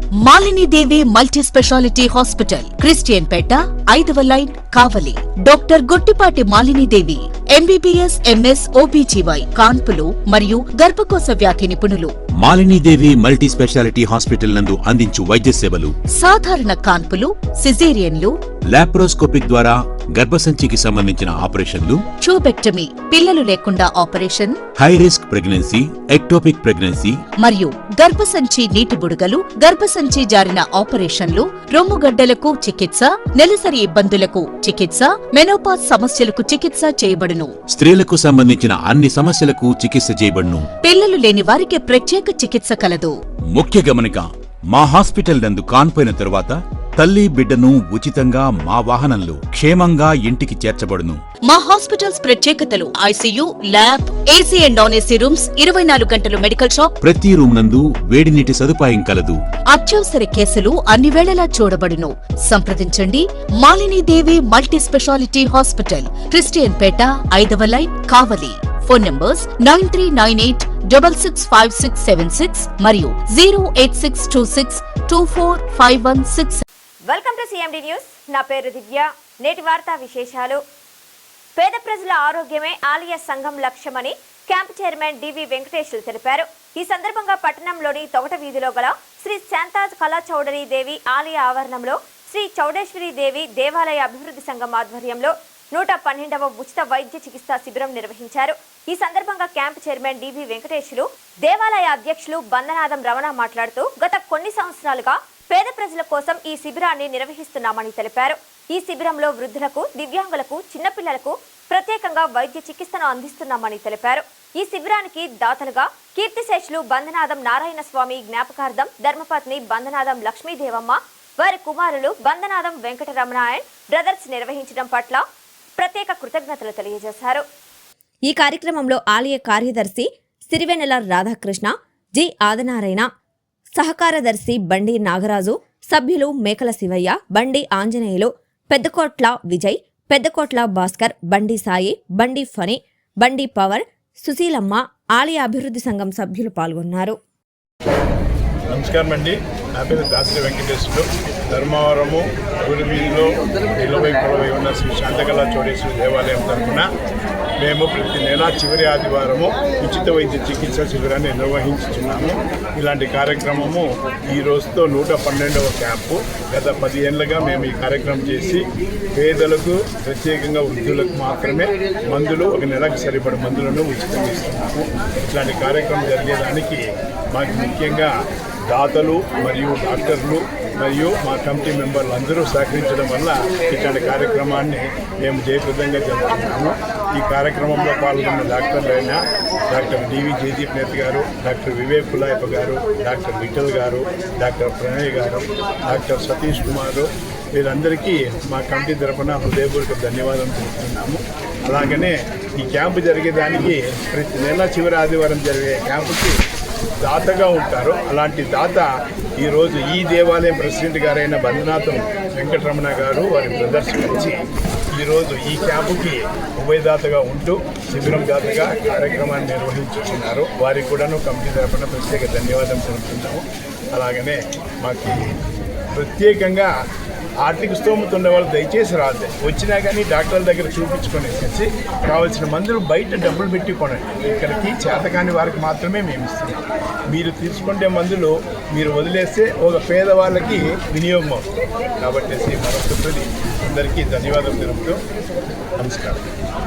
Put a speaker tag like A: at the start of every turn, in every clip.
A: Malini Devi multi speciality hospital, Christian Peta, 5వ line, Kavali. Doctor Gottipati Malini Devi, MBBS, MS, OBGY, కాన్పులు మరియు గర్భకోశ వ్యాధి నిపుణులు.
B: మాలినీదేవి మల్టీ స్పెషాలిటీ హాస్పిటల్ నందు అందించు వైద్య సేవలు:
A: సాధారణ కాన్పులు, సిజేరియన్లు,
B: లాప్రోస్కోపిక్ ద్వారా గర్భసంచికి సంబంధించిన ఆపరేషన్లు,
A: ట్యూబెక్టమీ, పిల్లలు లేకుండా operation,
B: high risk pregnancy, ectopic pregnancy
A: మరియు గర్భసంచి నీటి బుడగలు, గర్భసంచి జారిన ఆపరేషన్లు, రొమ్ముగడ్డలకు చికిత్స, నెలసరి ఇబ్బందులకు చికిత్స, మెనోపాజ్ సమస్యలకు చికిత్స చేయబడును.
B: స్త్రీలకు సంబంధించిన అన్ని సమస్యలకు చికిత్స చేయబడును.
A: పిల్లలు లేని వారికి ప్రత్యేక చికిత్స కలదు.
B: ముఖ్య గమనిక: మా హాస్పిటల్ నందు కాన్పోయిన తరువాత తల్లి బిడ్డను ఉచితంగా మా వాహనంలో క్షేమంగా ఇంటికి చేర్చబడును.
A: మా హాస్పిటల్స్ ప్రత్యేకతలు: ICU, lab, AC and non AC rooms, 24 గంటలు మెడికల్ షాప్,
B: ప్రతి రూమ్ నందు వేడి నీటి సదుపాయం కలదు.
A: అత్యవసర కేసులు అన్ని వేళలా చూడబడును. సంప్రదించండి. Malini Devi multi speciality hospital, Christian Peta, 5వ లైన్, కావలి. ఫోన్ నంబర్స్ 9398665676 మరియు 08626245166.
C: Welcome to CMD news. నా పేరు దివ్య. నేటి వార్తా విశేషాలు: పేద ప్రజల ఆరోగ్యమే ఆలయ సంఘం లక్ష్యమని క్యాంప్ చైర్మన్ డివి వెంకటేశ్వరు తెలిపారు. ఈ సందర్భంగా పట్టణంలోని తొగట వీధిలో గల శ్రీ శాంతా కళా చౌడరీ దేవి ఆలయ ఆవరణంలో శ్రీ చౌడేశ్వరి దేవి దేవాలయ అభివృద్ధి సంఘం ఆధ్వర్యంలో 112వ ఉచిత వైద్య చికిత్సా శిబిరం నిర్వహించారు. ఈ సందర్భంగా క్యాంప్ చైర్మన్ డివి వెంకటేశ్వరు, దేవాలయ అధ్యక్షులు బందనాదం రమణ మాట్లాడుతూ గత కొన్ని సంవత్సరాలుగా పేద ప్రజల కోసం ఈ శిబిరాన్ని నిర్వహిస్తున్నామని తెలిపారు. ఈ శిబిరంలో వృద్ధులకు, దివ్యాంగులకు, చిన్నపిల్లలకు ప్రత్యేకంగా వైద్య చికిత్సను అందిస్తున్నామని తెలిపారు. ఈ శిబిరానికి దాతలుగా కీర్తిశేషులు బందనాదం నారాయణ స్వామి జ్ఞాపకార్థం ధర్మపత్ని బందనాదం లక్ష్మీదేవమ్మ, వారి కుమారులు బందనాదం వెంకటరమణ అండ్ బ్రదర్స్ నిర్వహించడం పట్ల ప్రత్యేక కృతజ్ఞతలు తెలియజేశారు. ఈ కార్యక్రమంలో ఆలయ కార్యదర్శి సిరివెన్నెల రాధాకృష్ణ, జి ఆదినారాయణ, సహకారదర్శి బండి నాగరాజు, సభ్యులు మేకల శివయ్య, బండి ఆంజనేయులు, పెద్దకోట్ల విజయ్, పెద్దకోట్ల భాస్కర్, బండి సాయి, బండి ఫణి, బండి పవర్, సుశీలమ్మ, ఆలయ అభివృద్ధి సంఘం సభ్యులు పాల్గొన్నారు.
D: నమస్కారం అండి. నా పేరు దాసరి వెంకటేశ్వరు. ధర్మవరము గురువీధిలో నిలవై ఉన్న శ్రీ శాంతకళా చౌడేశ్వరి దేవాలయం తరఫున మేము ప్రతి నెల చివరి ఆదివారము ఉచిత వైద్య చికిత్స శిబిరాన్ని నిర్వహించుతున్నాము. ఇలాంటి కార్యక్రమము ఈ రోజుతో 112వ క్యాంపు. గత 10 ఏళ్లుగా మేము ఈ కార్యక్రమం చేసి పేదలకు, ప్రత్యేకంగా వృద్ధులకు మాత్రమే మందులు, ఒక నెలకు సరిపడ మందులను ఉచితంగా ఇస్తున్నాము. ఇట్లాంటి కార్యక్రమం జరిగేదానికి మాకు ముఖ్యంగా దాతలు మరియు డాక్టర్లు మరియు మా కమిటీ మెంబర్లు అందరూ సహకరించడం వల్ల ఇట్లాంటి కార్యక్రమాన్ని మేము జయప్రదంగా జరుపుతున్నాము. ఈ కార్యక్రమంలో పాల్గొన్న డాక్టర్లైన డాక్టర్ డివి జయదీప్ నేత్ గారు, డాక్టర్ వివేక్ కులాయప్ప గారు, డాక్టర్ విఠల్ గారు, డాక్టర్ ప్రణయ్ గారు, డాక్టర్ సతీష్ కుమారు, వీరందరికీ మా కమిటీ తరఫున హృదయపూర్వక ధన్యవాదాలు తెలుపుతున్నాము. అలాగనే ఈ క్యాంపు జరిగేదానికి ప్రతి నెల చివరి ఆదివారం జరిగే క్యాంపుకి దాతగా ఉంటారు. అలాంటి దాత ఈరోజు ఈ దేవాలయం ప్రెసిడెంట్ గారైన బందనాథం వెంకటరమణ గారు, వారి బ్రదర్స్ కలిసి ఈరోజు ఈ క్యాంపుకి ఉభయదాతగా ఉంటూ శిబిరం దాతగా కార్యక్రమాన్ని నిర్వహించుతున్నారు. వారికి కూడాను కమిటీ తరఫున ప్రత్యేక ధన్యవాదాలు తెలుపుతున్నాము. అలాగనే మాకు ప్రత్యేకంగా ఆర్థిక స్తోమత ఉన్న వాళ్ళు దయచేసి రాదు. వచ్చినా కానీ డాక్టర్ల దగ్గర చూపించుకొనేసి కావాల్సిన మందులు బయట డబ్బులు పెట్టి కొనండి. ఇక్కడికి చేతకాని వారికి మాత్రమే మేము ఇస్తున్నాం. మీరు తీసుకుంటే మందులు మీరు వదిలేస్తే ఒక పేదవాళ్ళకి వినియోగం అవుతుంది. కాబట్టి మరొకసారి అందరికీ ధన్యవాదాలు తెలుపుతూ నమస్కారం.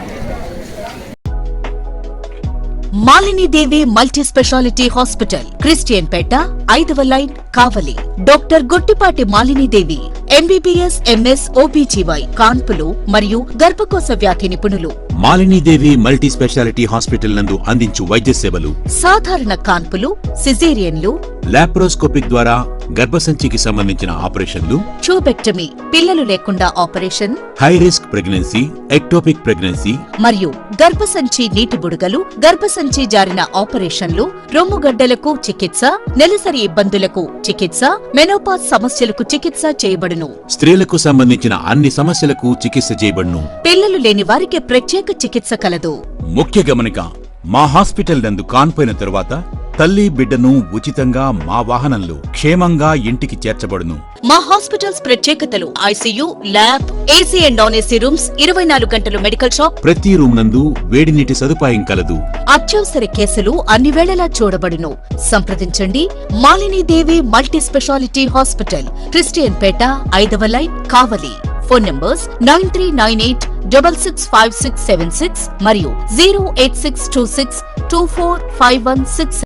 A: Malini Devi multi speciality hospital, Christian Peta, 5వ line, Kavali. Doctor Gottipati Malini Devi, MBBS, MS, OBGY, కాన్పులు మరియు గర్భకోశ వ్యాధి నిపుణులు.
B: మాలినీదేవి మల్టీ స్పెషాలిటీ హాస్పిటల్ నందు అందించు వైద్య సేవలు:
A: సాధారణ కాన్పులు, సిజేరియన్లు,
B: లాప్రోస్కోపిక్ ద్వారా గర్భసంచికి సంబంధించిన ఆపరేషన్లు,
A: ట్యూబెక్టమీ, పిల్లలు లేకుండా operation,
B: high risk pregnancy, ectopic pregnancy
A: మరియు గర్భసంచి నీటి బుడగలు, గర్భసంచి జారిన ఆపరేషన్లు, రొమ్ముగడ్డలకు చికిత్స, నెలసరి ఇబ్బందులకు చికిత్స, మెనోపాజ్ సమస్యలకు చికిత్స చేయబడును.
B: స్త్రీలకు సంబంధించిన అన్ని సమస్యలకు చికిత్స చేయబడును.
A: పిల్లలు లేని వారికి ప్రత్యేక చికిత్స కలదు.
B: ముఖ్య గమనిక: మా హాస్పిటల్ నందు కాన్పోయిన తరువాత తల్లి బిడ్డను ఉచితంగా మా వాహనంలో క్షేమంగా ఇంటికి చేర్చబడును.
A: మా హాస్పిటల్స్ ప్రత్యేకతలు: ICU, lab, AC and non AC rooms, 24 గంటలు మెడికల్ షాప్,
B: ప్రతి రూమ్ నందు వేడి నీటి సదుపాయం కలదు.
A: అత్యవసర కేసులు అన్ని వేళలా చూడబడును. సంప్రదించండి Malini Devi multi speciality hospital, Christian Peta, 5వ లైన్, కావలి. ఫోన్ నంబర్స్ 9398665676 మరియు 08626245166.